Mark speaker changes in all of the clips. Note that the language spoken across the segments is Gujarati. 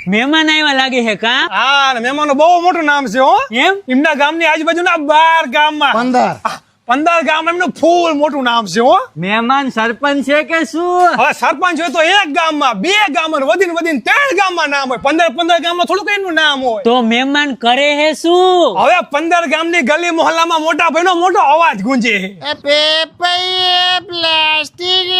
Speaker 1: મહેમાન આવ્યા લાગે છે કા?
Speaker 2: હા, મહેમાનનું બહુ મોટું નામ છે હો.
Speaker 1: એમ?
Speaker 2: એમના ગામની આજુબાજુના 12 ગામમાં 15 ગામ એમનું ફૂલ મોટું નામ છે હો.
Speaker 1: મહેમાન સરપંચ છે કે શું?
Speaker 2: હવે સરપંચ હોય તો એક ગામમાં, 2 ગામમાં, વધીને 3 ગામમાં નામ હોય. 15 ગામમાં થોડું કઈ એનું નામ હોય.
Speaker 1: તો મહેમાન કરે હે શું?
Speaker 2: હવે 15 ગામની ગલી મોહલ્લામાં મોટા ભાઈનો મોટો અવાજ ગુંજે છે.
Speaker 3: પ્લાસ્ટિક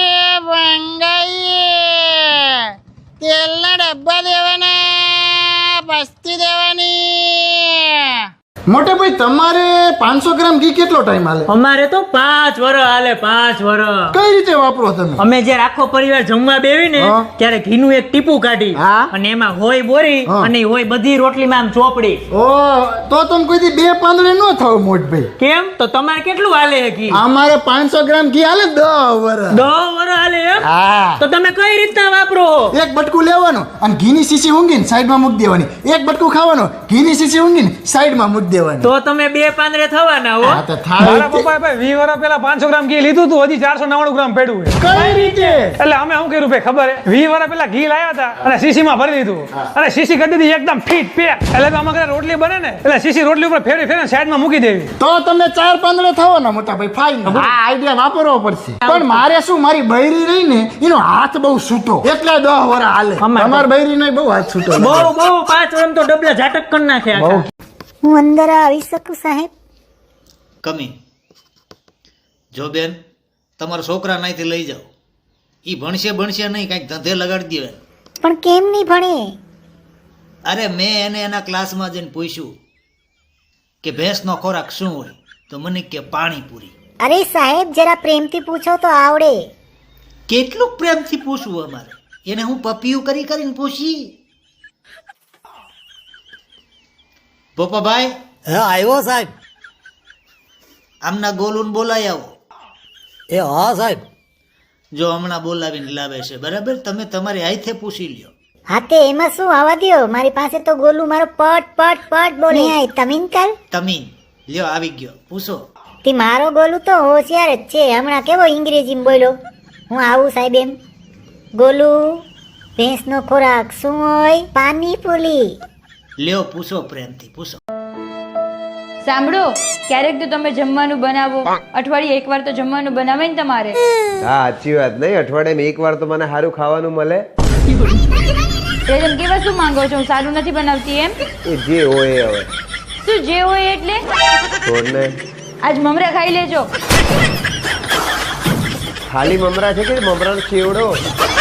Speaker 3: તેલના ડબ્બા દેવાના, પસ્તી દેવાની.
Speaker 4: મોટે ભાઈ તમારે 500 ગ્રામ ઘી કેટલો ટાઈમ હાલે?
Speaker 1: અમારે તો 5 વર્ષ હાલે, 5 વર્ષ.
Speaker 4: કઈ રીતે વાપરો તમે?
Speaker 1: અમે જ્યારે આખો પરિવાર જમવા બેવી ને
Speaker 4: હા.
Speaker 1: ત્યારે ઘીનું એક ટીપું કાઢી
Speaker 4: હા.
Speaker 1: અને એમાં હોય બોરી
Speaker 4: હા.
Speaker 1: અને હોય બધી રોટલીમાં આમ ચોપડી.
Speaker 4: ઓ તો તમે કોઈ દી 2 પાંદડે ન થાવ મોટભાઈ.
Speaker 1: કેમ? તો તમારે કેટલું હાલે છે ઘી?
Speaker 4: અમારે 500 ગ્રામ ઘી હાલે 10 વર્ષ.
Speaker 1: 10 વર્ષ હાલે એમ?
Speaker 4: હા.
Speaker 1: તો તમે કઈ રીતના વાપરો?
Speaker 4: એક બટકું લેવાનું અને ઘીની શીશી ઊંઘીને સાઈડમાં મૂકી દેવાની. એક બટકું ખાવાનું, ઘીની શીશી ઊંઘીને સાઈડમાં મૂકી દેવાની.
Speaker 1: તો તમે 2 પાંદડે થવાના હો.
Speaker 4: હા તો થાય
Speaker 2: મારા
Speaker 4: જ તે.
Speaker 2: પપ્પાએ ભાઈ 20 વર્ષ પહેલા 500 ગ્રામ ઘી લીધું હતું, હજી 499 ગ્રામ પડ્યું છે.
Speaker 4: કઈ રીતે?
Speaker 2: એટલે અમે શું કર્યું ભાઈ ખબર હે? 20 વર્ષ પહેલા ઘી લાવ્યા હતા અને શીશીમાં ભરી દીધું અને શીશી કરી દીધી એકદમ ફીટ પેક. એટલે તો આમાં ઘરે રોટલી બને ને એટલે શીશી રોટલી ઉપર ફેરવીને સાઈડમાં મૂકી દેવી.
Speaker 4: તો તમે 4 પાંદડે થવાના મોટા ભાઈ. ફાઈન. આ આઈડિયા વાપરવો પડશે. પણ મારે શું, મારી બૈરી રહી ને એનો હાથ બહુ છૂટો, એટલે 10 વર્ષ હાલે.
Speaker 1: અમારે
Speaker 4: તમાર બૈરીનો બહુ હાથ છૂટો.
Speaker 1: બહુ 5 વર્ષ તો ડબલા ઝાટક કરી નાખે આખા.
Speaker 3: હું અંદર આવી શકું સાહેબ?
Speaker 5: કમી જો બેન તમારા છોકરા નાઈથી લઈ જાઓ, ઈ ભણશે નહીં, કાંઈક ધંધે લગાડી દે.
Speaker 3: પણ કેમ નહીં ભણે?
Speaker 5: અરે મેં એને એના ક્લાસમાં જઈને પૂછ્યું કે ભેંસનો ખોરાક શું હોય, તો મને કે પાણીપુરી.
Speaker 3: અરે સાહેબ જરા પ્રેમથી પૂછો તો આવડે.
Speaker 5: કેટલું પ્રેમથી પૂછવું અમારે એને? હું પપિયું કરીને પૂછી. પોપાભાઈ
Speaker 6: હા આવ્યો સાહેબ.
Speaker 5: આમના ગોલુન બોલાઈ આવો.
Speaker 6: એ હા સાહેબ.
Speaker 5: જો હમણાં બોલાવીને લાવે છે, બરાબર? તમે તમારી હાથે પૂછી લ્યો.
Speaker 3: હા તે એમાં શું, આવવા દ્યો. મારી પાસે તો ગોલું મારો પટ બોલે. તમીન કર.
Speaker 5: તમીન લ્યો, આવી ગયો, પૂછો.
Speaker 3: તે મારો ગોલું તો હોશિયાર જ છે. હમણાં કેવો અંગ્રેજીમાં બોલ્યો. હું આવું સાહેબ એમ. ગોલું, ભેંસનો ખોરાક શું હોય? પાણીપુરી.
Speaker 5: લ્યો પૂછો, પ્રેમથી પૂછો.
Speaker 7: સાંભળો, ક્યારેક તો તમે જમવાનું બનાવો. અઠવાડિયે એકવાર તો જમવાનું બનાવે ને તમારે.
Speaker 8: હા સાચી વાત. નહીં, અઠવાડિયામાં એકવાર તો મને સારું ખાવાનું મળે.
Speaker 7: તમે કેવા શું માંગો છો? હું સારું નથી બનાવતી એમ?
Speaker 8: એ જે હોય એ હવે.
Speaker 7: શું જે હોય એટલે?
Speaker 8: છોડને.
Speaker 7: આજ મમરા ખાઈ લેજો.
Speaker 8: ખાલી મમરા છે કે મમરાનો ચેવડો?